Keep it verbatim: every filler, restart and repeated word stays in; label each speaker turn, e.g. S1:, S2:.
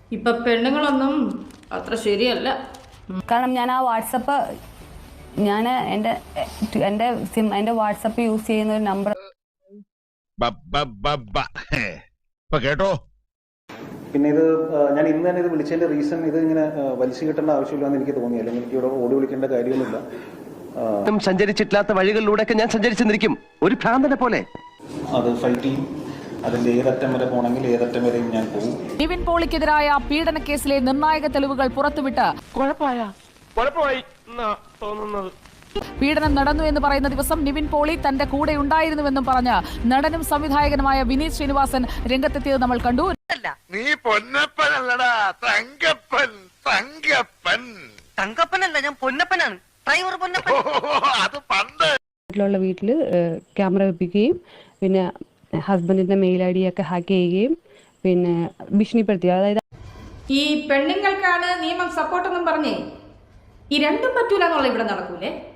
S1: ഇപ്പൊ പെണ്ണുങ്ങളൊന്നും അത്ര ശരിയല്ല.
S2: കാരണം ഞാൻ ആ വാട്സപ്പ് ഞാൻ എൻ്റെ എൻ്റെ സിം എൻ്റെ വാട്സപ്പ് യൂസ് ചെയ്യുന്ന ഒരു നമ്പർ
S3: കേട്ടോ.
S4: പിന്നെ ഇത് ഞാൻ ഇന്ന് തന്നെ ഇത് വിളിച്ചതിന്റെ റീസൺ ഇത് ഇങ്ങനെ വലിച്ചു കിട്ടേണ്ട ആവശ്യമില്ലാന്ന് എനിക്ക് തോന്നി. അല്ലെങ്കിൽ എനിക്ക് ഇവിടെ ഓടി വിളിക്കേണ്ട കാര്യമൊന്നുമില്ല.
S5: സഞ്ചരിച്ചിട്ടില്ലാത്ത വഴികളിലൂടെയൊക്കെ ഞാൻ സഞ്ചരിച്ചെന്നിരിക്കും ഒരു ഭ്രാന്തനെ പോലെ.
S4: അത് ഫൈറ്റ് ചെയ്യും. അതിന്റെ ഏതറ്റം വരെ പോകണമെങ്കിൽ ഏതറ്റം വരെയും ഞാൻ പോകും.
S6: നിവിൻ പോളിക്കെതിരായ പീഡന കേസിലെ നിർണായക തെളിവുകൾ പുറത്തുവിട്ട്
S5: കുഴപ്പമായി തോന്നുന്നത്
S6: പീഡനം നടന്നു എന്ന് പറയുന്ന ദിവസം നിവിൻ പോളി തന്റെ കൂടെ ഉണ്ടായിരുന്നുവെന്നും പറഞ്ഞ് നടനും സംവിധായകനുമായ വിനീത് ശ്രീനിവാസൻ രംഗത്തെത്തിയത് നമ്മൾ കണ്ടു.
S3: നീ പൊന്നപ്പനല്ലടാ, തങ്കപ്പൻ. തങ്കപ്പൻ
S7: തങ്കപ്പനല്ല, ഞാൻ പൊന്നപ്പനാണ്. ഡ്രൈവർ പൊന്നപ്പൻ.
S3: അത് പണ്ട്
S2: വീട്ടിലുള്ള വീട്ടിൽ ക്യാമറ വെപ്പിക്കുകയും പിന്നെ ഹസ്ബൻഡിന്റെ മെയിൽ ഐ ഡി ഒക്കെ ഹാക്ക് ചെയ്യുകയും പിന്നെ ഭീഷണിപ്പെടുത്തി. അതായത്
S1: ഈ പെണ്ണുങ്ങൾക്കാണ് നിയമം സപ്പോർട്ടെന്നും പറഞ്ഞേ ഈ രണ്ടും പറ്റൂല എന്നുള്ള ഇവിടെ നടക്കൂലേ?